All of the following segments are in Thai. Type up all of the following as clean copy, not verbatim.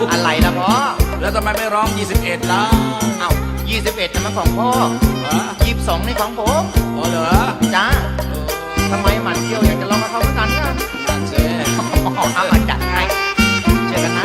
อะไรนะพ่อแล้วทำไมไม่ร้อง21ล่ะเอ้า21นะมันของพ่อ22นี่ของผมอ๋อเหรอจ้าทำไมหมันเที่ยวอยากจะลองกับเขาเหมือนกันนะนั่นสิเอามาจัดให้เจอกันนะ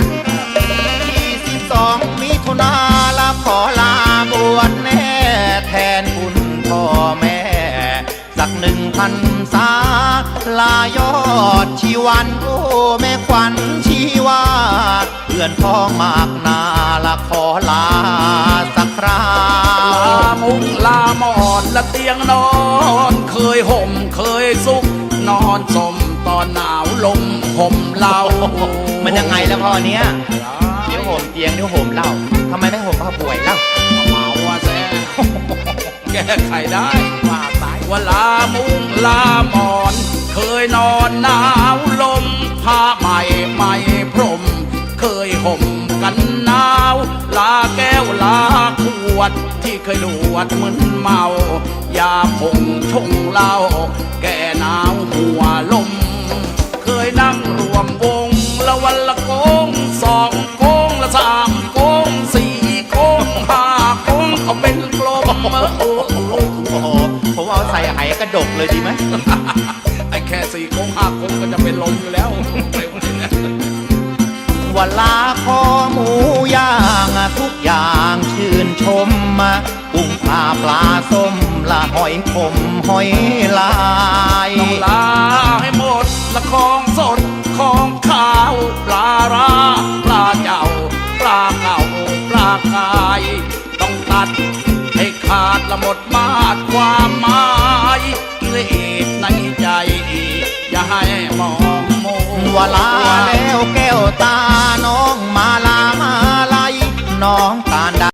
22มิถุนาลาขอลาบวชแน่แทนคุณพ่อแม่สัก1,000 ษาลายอดชีวันโอ้แม่ขวัญชีวาเพื่อนพ้องมากนาละขอลาสักคราลามุงลาหมอนละเตียงนอนเคยห่มเคยสุกนอนสมตอนหนาวลมห่มเล่ามันยังไงแล้วพ่อเนี้ยเดี๋ยวห่มเตียงเดี๋ยวห่มเหล้าทำไมไม่ห่มผ้าป่วยเล่าเมาว่าแซ่แก้ไขได้ว่าไปว่าลามุงลาหมอนเคยนอนหนาวลมผ้าใหม่ใหม่พรมเคยห่มกันหนาวลาแก้วลาขวดที่เคยดวดมึนเมายาผงชงเหล้าแก่หนาวหัวลมเคยนั่งรวมวงละวันละโกง2 โกงละ3 โกง4 โกง5 โกงเขาเป็นกลมโอ้โหผมเอาใส่ไหกระดกเลยดีไหมไอ้แค่4 โกง5 โกงก็จะเป็นลมอยู่แล้ววันลาคอหมูย่างทุกอย่างชื่นชมมากุ้งปลาปลาส้มละหอยขมหอยลายต้องลาให้หมดละของสดของข้าวปลาราปลาเจ้าปลาเก่าปลากายต้องตัดให้ขาดละหมดมาดความหมายกิเลสในใจอย่าให้มองโมวลาแล้วแก้วตาน้องมาลามาลายน้องกัน